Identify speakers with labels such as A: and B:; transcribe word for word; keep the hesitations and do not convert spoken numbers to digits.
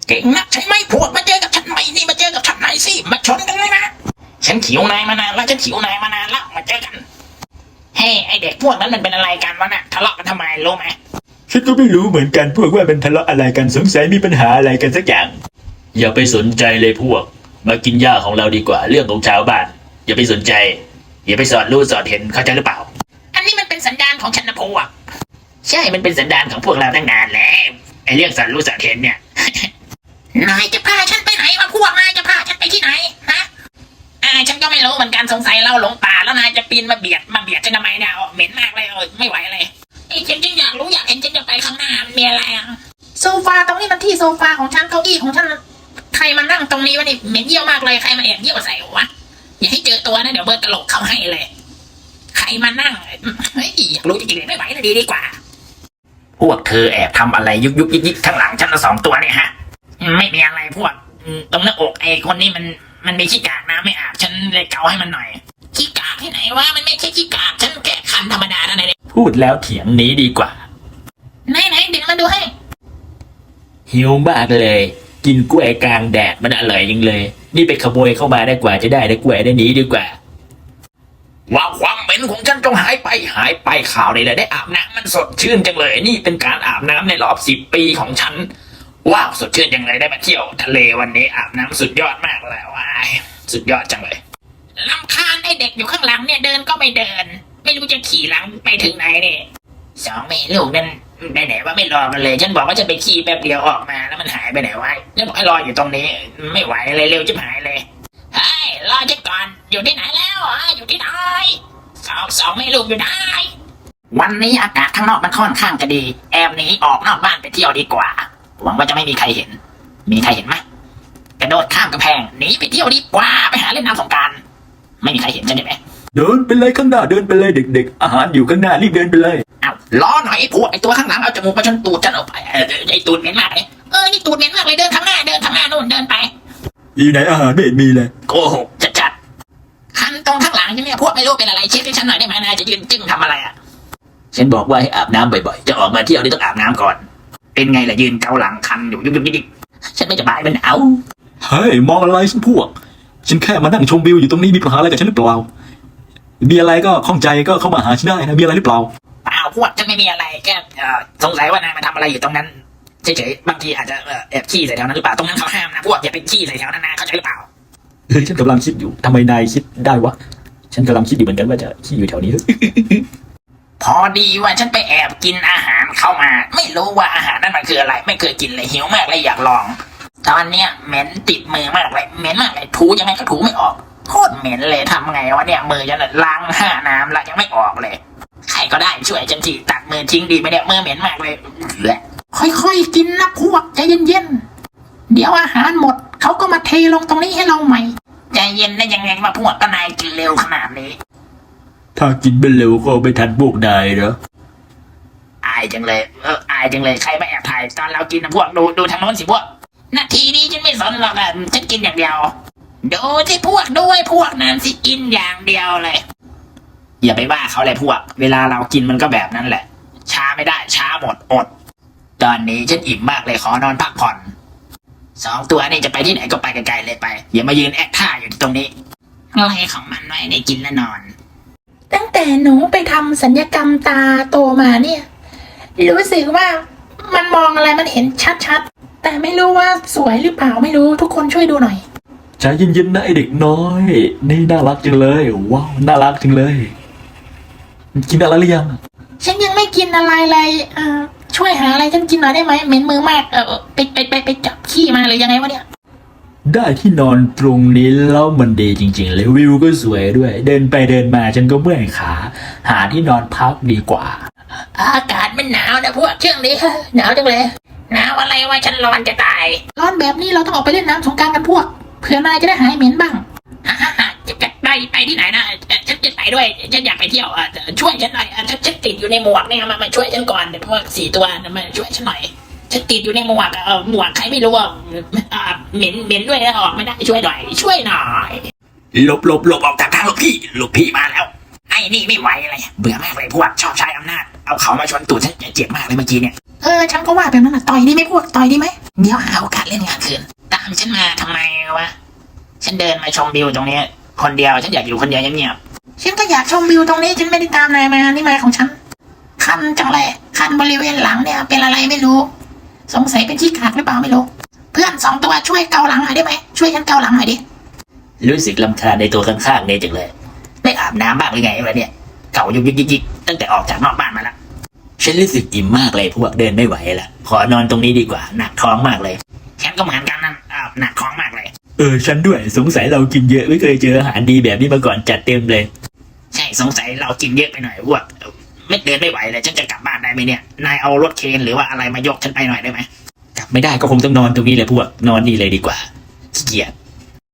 A: เก่งนักใช่ไหมพวกมาเจอกับฉันหน่อยนี่มาเจอกับฉันหน่อยสิมาชนกันเลยนะฉันขิวนายมานานแล้วฉันขิวนายมานานแล้วมาเจอกันเฮ้ไอเด็กพวกนั้นมันเป็นอะไรกันวะน่ะทะเลาะกันทำไมรู้ไหม
B: ฉันก็ไม่รู้เหมือนกันพวกว่ามันทะเลาะอะไรกันสงสัยมีปัญหาอะไรกันสักอย่างอย่าไปสนใจเลยพวกมากินหญ้าของเราดีกว่าเรื่องของชาวบ้านอย่าไปสนใจอย่าไปสอดรู้สอดเห็นเข้าใจหรือเปล่า
A: อันนี้มันเป็นสันดานของฉันนะพวกใช่มันเป็นสันดานของพวกเราตั้งนานแล้วไอเรื่องสอดรู้สอดเห็นเนี่ยนายจะพาฉันไปไหนวะพวกนายจะพาฉันไปที่ไหนฮะอ่าฉันก็ไม่รู้เหมือนกันสงสัยเราหลงป่าแล้วนายจะปีนมาเบียดมาเบียดฉันทำไมเนี่ยเหม็นมากเลยเออไม่ไหวเลยไอ้ฉันจึงอยากรู้อยากเห็นฉันจะไปข้างหน้ามีอะไรอ่ะโซฟาตรงนี้มันที่โซฟาของฉันเก้าอี้ของฉันใครมานั่งตรงนี้วะนี่เหม็นเยี่ยวมากเลยใครมาแอบเยี่ยวใส่วะอย่าให้เจอตัวนะเดี๋ยวเบิร์ตตลกเขาให้เลยใครมานั่งเฮ้ยอยากรู้จริงๆเลยไม่ไหวเลยดีดีกว่าพวกเธอแอบทำอะไรยุกยุกยิกยิกข้างหลังฉันสองตัวเนี่ยฮะไม่มีอะไรพวกตรงหน้าอกไอ้คนนี้มันมันมีขี้กากน้ำไม่อาบฉันเลยเกาให้มันหน่อยขี้กากที่ไหนวะมันไม่ใช่ขี้กากฉันแกะคันธรรมดานะเนี่ย
B: พูดแล้วเถียงนี้ดีกว่า
A: ไหนไหนเดี๋ยวมาดูให้
B: หิวมากเลยกินกล้วยกลางแดดมันอร่อยจริงเลยนี่ไปขโมยเข้ามาได้กว่าจะได้ได้กล้วยได้นี้ดีกว่า
A: ว่าความเหม็นของฉันจงหายไปหายไปข่าวเลยได้อาบน้ำมันสดชื่นจังเลยนี่เป็นการอาบน้ำในรอบสิบปีของฉันว้าวสดชื่นจังเลยได้มาเที่ยวทะเลวันนี้อาบน้ำสุดยอดมากเลยว้ายสุดยอดจังเลยรำคาญไอ้เด็กอยู่ข้างหลังเนี่ยเดินก็ไม่เดินไม่รู้จะขี่หลังไปถึงไหนเนี่ยสองแม่ลูกนั่นไปไหนว่าไม่รอมันเลยฉันบอกว่าจะไปขี่แป๊บเดียวออกมาแล้วมันหายไปไหนวะฉันบอกให้รออยู่ตรงนี้ไม่ไหวเลยเร็วจะหายเลยเฮ้ยรอฉันก่อนอยู่ที่ไหนแล้วอ่ะอยู่ที่ไหนสองสองแม่ลูกอยู่ไหนวันนี้อากาศข้างนอกมันค่อนข้างจะดีแอบหนีออกนอกบ้านไปเที่ยวดีกว่าหวังว่าจะไม่มีใครเห็นมีใครเห็นไหมกระโดดข้ามกำแพงหนีไปเที่ยวดีกว่าไปหาเล่นน้ำสงกรานต์ไม่มีใครเห็นใช่ไหม
B: เดินไปเลยข้างหน้าเดินไปเลยเด็กๆอาหารอยู่ข้างหน้ารีบเดินไปเลย
A: เอาล้อหน่อยไอ้พวกไอ้ตัวข้างหลังเอาจมูกมาชนตูดฉันออกไปไอ้ตูดเหม็นมากเลยเออนี่ตูดเหม็นมากเลยเดินข้างหน้าเดินข้างหน้านู่นเดินไป
B: อยู่ไหนอาหารไม่เห็นมีเลย
A: โกหกจัดๆคันตรงข้างหลังใช่ไหมพวกไม่รู้เป็นอะไรเช็คให้ฉันหน่อยได้ไหมนายจะยืนจึ้งทำอะไรอ่ะฉันบอกว่าให้อาบน้ำบ่อยๆจะออกมาเที่ยวนี่ต้องอาบน้ำก่อนเป็นไงล่ะยืนเกาหลังคันอยู่ยุบยุบยิบฉันไม่สบายมันเอา
B: เฮ้ยมองอะไรฉันพวกฉันแค่มานั่งชมวิวอยู่ตรงนี้มีปัญหาอะไรกับฉันหรือเปล่ามีอะไรก็ข้องใจก็เข้ามาหาฉันได้นะมีอะไรหรือเปล่า
A: เปล่าพวกฉันไม่มีอะไรแค่สงสัยว่านายมาทำอะไรอยู่ตรงนั้นเฉยๆบางทีอาจจะแอบขี้ใส่แถวนั้นหรือเปล่าตรงนั้นเขาห้ามนะพวกอย่าไปขี้ใส่แถวนั้นนะเข้าใจหรือเปล่า
B: เฮ้ยฉันกำลังคิดอยู่ทำไมนายคิดได้วะฉันกำลังคิดอยู่เหมือนกันว่าจะขี้อยู่แถวนี้
A: พอดีว่าฉันไปแอบกินอาหารเข้ามาไม่รู้ว่าอาหารนั้นมันคืออะไรไม่เคยกินเลยหิวมากเลยอยากลองตอนเนี้ยเหม็นติดมือมากเลยเหม็นมากเลยถูยังไงก็ถูไม่ออกโคตรเหม็นเลยทำไงวะเนี่ยมือฉันล้างห้าน้ำแล้วยังไม่ออกเลยใครก็ได้ช่วยฉันทีตัดมือทิ้งดีไหมเนี่ยมือเหม็นมากเลยค่อยๆกินนะพวกใจเย็นๆเดี๋ยวอาหารหมดเขาก็มาเทลงตรงนี้ให้เราใหม่ใจเย็นได้ยังไงมาพวกก็นายกินเร็วขนาดนี้
B: ถ้ากินไม่เร็วก็ไม่ทันพวกนายเหรอ
A: อายจังเลยเอออายจังเลยใครมาแอบถ่ายตอนเรากินนะพวกดูดูทางโน้นสิพวกนาทีนี้ฉันไม่สนหรอกอ่ะฉันกินอย่างเดียวดูที่พวกด้วยพวกนั้นสิกินอย่างเดียวเลยอย่าไปว่าเขาเลยพวกเวลาเรากินมันก็แบบนั้นแหละช้าไม่ได้ช้าหมดอดตอนนี้ฉันอิ่มมากเลยขอนอนพักผ่อนสองตัวนี่จะไปที่ไหนก็ไปไกลๆเลยไปอย่ามายืนแอคท่าอยู่ที่ตรงนี้อะไรของมันไว้ในกินและนอนตั้งแต่หนูไปทำสัญญกรรมตาโตมาเนี่ยรู้สึกว่ามันมองอะไรมันเห็นชัดๆแต่ไม่รู้ว่าสวยหรือเปล่าไม่รู้ทุกคนช่วยดูหน่อย
B: ใจเย็นๆนะไอเด็กน้อยนี่น่ารักจังเลยว้าวน่ารักจังเลยกินอะไรหรือยัง
A: ฉันยังไม่กินอะไรเลยอ่าช่วยหาอะไรฉันกินหน่อยได้ไหมเหม็นมือมากเออไปไปไปไปจับขี้มาเลยยังไงวะเนี่ย
B: ได้ที่นอนตรงนี้แล้วมันดีจริงๆเลยวิวก็สวยด้วยเดินไปเดินมาฉันก็เมื่อยขาหาที่นอนพักดีกว่า
A: อากาศมันหนาวนะพวกช่วงนี้หนาวจังเลยหนาวอะไรวะฉันร้อนจะตายร้อนแบบนี้เราต้องออกไปเล่นน้ำสงกรานต์กันพวกเผื่อนายจะได้หายเหม็นบ้างจะไปไปที่ไหนนะฉันจะไปด้วยฉันอยากไปเที่ยวช่วยฉันหน่อยฉันฉันติดอยู่ในหมวกเนี่ยมามาช่วยฉันก่อนเดี๋ยวพวกสี่ตัวมาช่วยฉันหน่อยฉันติดอยู่ในหมวกเออหมวกใครไม่รู้อ่ะเหม็นเหม็นด้วยนะออกไม่ได้ช่วยหน่อยช่วยหน่อยหลบหลบหลบออกจากทางหลบพี่หลบพี่มาแล้วไอ้นี่ไม่ไหวเลยเบื่อมากเลยพวกชอบใช้อำนาจเอาเขามาชนตูดฉันเจ็บมากเลยเมื่อกี้เนี่ยเออฉันก็ว่าแบบนั้นนะต่อยดีไหมพวกต่อยดีไหมเดี๋ยวหาโอกาสเล่นงานคืนตามฉันมาทำไมวะฉันเดินมาชมวิวตรงนี้คนเดียวฉันอยากอยู่คนเดียวเงียบๆฉันก็อยากชมวิวตรงนี้ฉันไม่ได้ตามนายมานี่มาของฉันคันจังเลยคันบริเวณหลังเนี่ยเป็นอะไรไม่รู้สงสัยเป็นขี้ขลาดหรือเปล่าไม่รู้เพื่อนสองตัวช่วยเกาหลังหน่อยได้ไหมช่วยฉันเกาหลังหน่อยดิ
B: รู้สึกลำคาญในตัวข้างๆเนี่ยจังเลย
A: ไม่อาบน้ำบ้างหรือไงวะเนี่ยเก่ายุกยิกยิกตั้งแต่ออกจากนอกบ้านมาแล้ว
B: ฉันรู้สึกอิ่มมากเลยพวกเดินไม่ไหวละขอนอนตรงนี้ดีกว่าหนักท้องมากเลย
A: ฉันก็เหมือนกันนั่นอ้าวหนักท้องมากเลย
B: เออฉันด้วยสงสัยเรากินเยอะไม่เคยเจออาหารดีแบบนี้มาก่อนจัดเต็มเลย
A: ใช่สงสัยเรากินเยอะไปหน่อยพวกไม่เดินไม่ไหวเลยฉันจะกลับบ้านได้ไหมเนี่ยนายเอารถเคนหรือว่าอะไรมายกฉันไปหน่อยได้ไหม
B: กลับไม่ได้ก็คงต้องนอนตรงนี้เลยพวกนอนนี่เลยดีกว่าขี้เกียจ